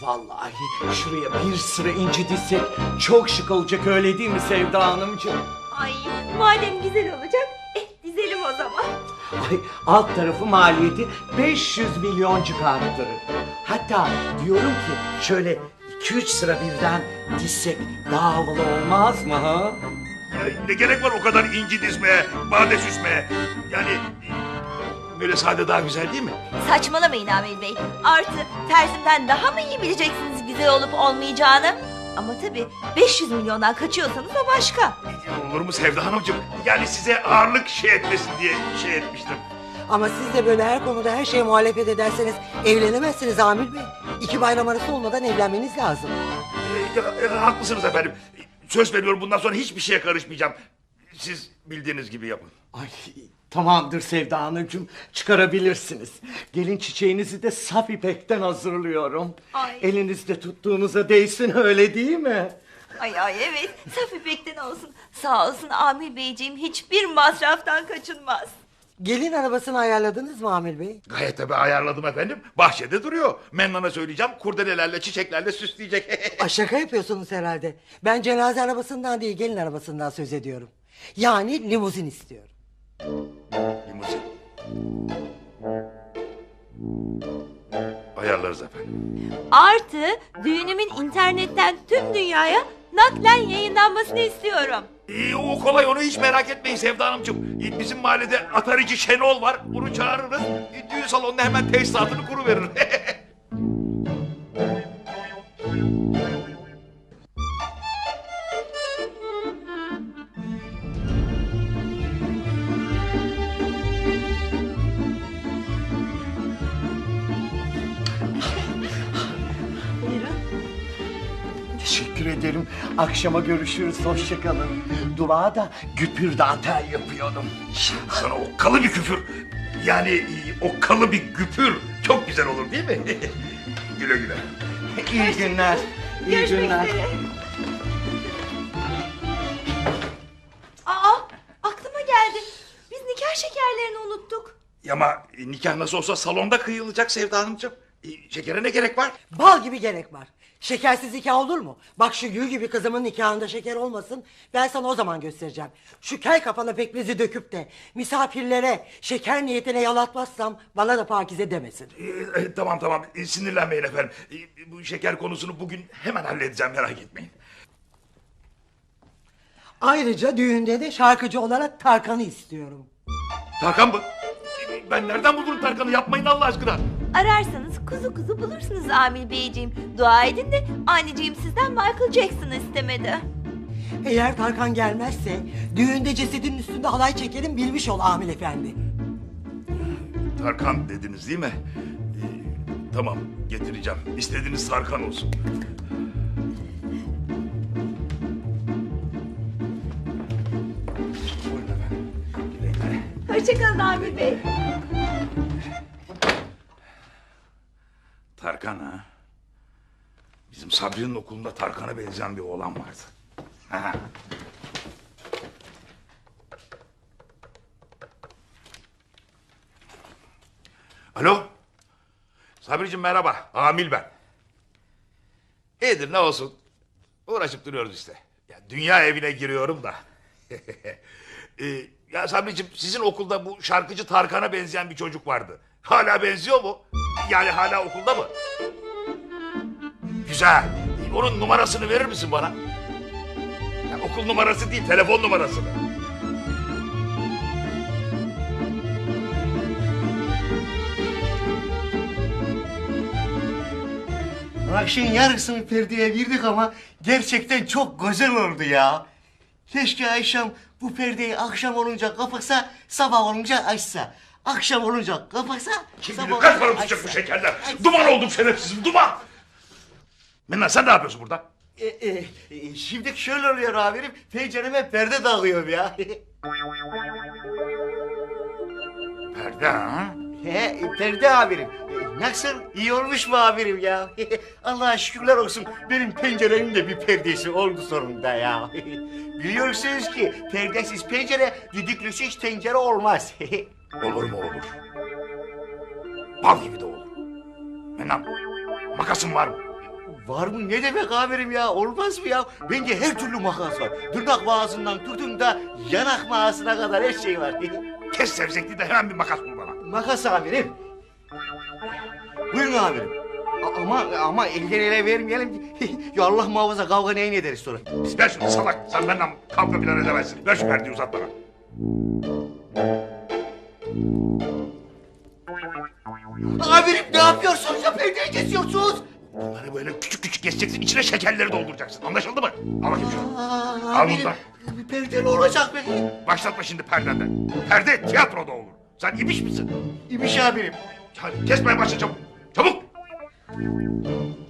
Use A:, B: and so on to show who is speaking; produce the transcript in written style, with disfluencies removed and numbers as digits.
A: Vallahi şuraya bir sıra inci dizsek çok şık olacak, öyle değil mi Sevda Hanımcığım?
B: Ay madem güzel olacak, dizelim o zaman.
A: Ay, alt tarafı maliyeti 500 milyoncuk arttırır. Hatta diyorum ki şöyle 2-3 sıra birden dizsek daha havalı olmaz mı ha?
C: Ne gerek var o kadar inci dizmeye, bade süsmeye? Yani böyle sade daha güzel değil mi?
B: Saçmalamayın Amil Bey. Artı tersimden daha mı iyi bileceksiniz güzel olup olmayacağını? Ama tabii 500 milyondan kaçıyorsanız o başka.
C: Olur mu Sevda Hanımcığım? Yani size ağırlık etmesin diye etmiştim.
D: Ama siz de böyle her konuda her şeye muhalefet ederseniz evlenemezsiniz Amil Bey. 2 bayram arası olmadan evlenmeniz lazım.
C: Haklısınız efendim. Söz veriyorum, bundan sonra hiçbir şeye karışmayacağım. Siz bildiğiniz gibi yapın.
A: Ay, tamamdır Sevda Hanımcığım, çıkarabilirsiniz. Gelin çiçeğinizi de saf ipekten hazırlıyorum.
B: Ay.
A: Elinizde tuttuğunuza değsin, öyle değil mi?
B: Ay evet, saf ipekten olsun. Sağ olsun Amil Beyciğim, hiçbir masraftan kaçınmaz.
D: Gelin arabasını ayarladınız mı Amil Bey?
C: Gayet tabii ayarladım efendim. Bahçede duruyor. Mennan'a söyleyeceğim, kurdelelerle, çiçeklerle süsleyecek.
D: Şaka yapıyorsunuz herhalde. Ben cenaze arabasından değil gelin arabasından söz ediyorum. Yani limuzin istiyorum.
C: Limuzin. Ayarlarız efendim.
B: Artı düğünümün internetten tüm dünyaya naklen yayınlanmasını istiyorum.
C: O kolay, onu hiç merak etmeyin Sevda Hanımcığım. Bizim mahallede atarici Şenol var. Onu çağırırız. Düğün salonuna hemen tesisatını kuruverir.
B: Buyurun.
A: Teşekkür ederim. Akşama görüşürüz, hoşça kalın. Duvağ'a da güpür dantel yapıyorum.
C: Sana okkalı bir küfür. Yani okkalı bir güpür. Çok güzel olur değil mi? Güle güle.
A: İyi günler. İyi
B: Görüşmek
A: günler.
B: üzere. Aa, aklıma geldi. Biz nikah şekerlerini unuttuk.
C: Ama nikah nasıl olsa salonda kıyılacak Sevda Hanımcığım. Şekere ne gerek var?
D: Bal gibi gerek var. Şekersiz nikah olur mu? Bak şu gül gibi kızımın nikahında şeker olmasın. Ben sana o zaman göstereceğim. Şu kel kafalı pekmezi döküp de misafirlere şeker niyetine yalatmazsam bana da pakize demesin.
C: Tamam. Sinirlenmeyin efendim. Bu şeker konusunu bugün hemen halledeceğim, merak etmeyin.
D: Ayrıca düğünde de şarkıcı olarak Tarkan'ı istiyorum.
C: Tarkan mı? Ben nereden bulurum Tarkan'ı? Yapmayın Allah aşkına.
B: Ararsanız kuzu kuzu bulursunuz Amil Beyciğim. Dua edin de anneciğim sizden Michael Jackson'ı istemedi.
D: Eğer Tarkan gelmezse düğünde cesedinin üstünde halay çekerim bilmiş ol Amil Efendi.
C: Tarkan dediniz değil mi? Tamam, getireceğim. İstediğiniz Tarkan olsun. Buyurun efendim. Güle güle.
B: Hoşçakalın Amil Bey.
C: Tarkan ha? Bizim Sabri'nin okulunda Tarkan'a benzeyen bir oğlan vardı. Ha. Alo? Sabri'cim merhaba. Amil ben. İyidir, ne olsun. Uğraşıp duruyoruz işte. Ya, dünya evine giriyorum da. Ya Sabri'cim, sizin okulda bu şarkıcı Tarkan'a benzeyen bir çocuk vardı. Hala benziyor mu? Yani hala okulda mı? Güzel. Onun numarasını verir misin bana? Ya, okul numarası değil, telefon numarasını.
E: Akşam yarısını perdeye girdik ama gerçekten çok güzel oldu ya. Keşke Ayşem bu perdeyi akşam olunca kapatsa, sabah olunca açsa. Akşam olunca kapatsa,
C: Kim
E: sabah
C: bilir kaç para
E: olunca
C: tutacak bu
E: açsa.
C: şekerler? Duman oldum şerefsizim, duman! Mennan, sen ne yapıyorsun burada?
E: Şimdi şöyle oluyor amirim, pencereme perde dağılıyorum ya.
C: Perde ha?
E: Perde amirim. Nasıl? İyi olmuş mu amirim ya? Allah'a şükürler olsun, benim penceremin de bir perdesi oldu sonunda ya. Biliyorsunuz ki perdesiz pencere, düdüklüsüz tencere olmaz.
C: Olur mu olur? Bal gibi de olur. Mennan, makasın var mı?
E: Var mı? Ne demek amirim ya? Olmaz mı ya? Bende her türlü makas var. Tırnak mağazından tutun da yanak mağazına kadar her şey var.
C: Kes sevzekli de hemen bir makas bul bana.
E: Makas amirim. Buyurun amirim. Ama elden ele vermeyelim. Ya Allah muhafaza kavga neyin ederiz sonra.
C: Ver şunu salak. Sen benden kavga filan edemezsin. Ver şu perdeyi uzat bana.
E: Amirim ne yapıyorsunuz ya? Perdeyi kesiyorsunuz.
C: Bunları böyle küçük küçük keseceksin. İçine şekerleri dolduracaksın. Anlaşıldı mı? Al bakayım şunu. Al
E: Amirim,
C: bundan.
E: perde ne olacak peki?
C: Başlatma şimdi perdenden. Perde tiyatroda olur. Sen ibiş misin?
E: İmiş amirim.
C: Hadi kesmeye başla çabuk. Çabuk.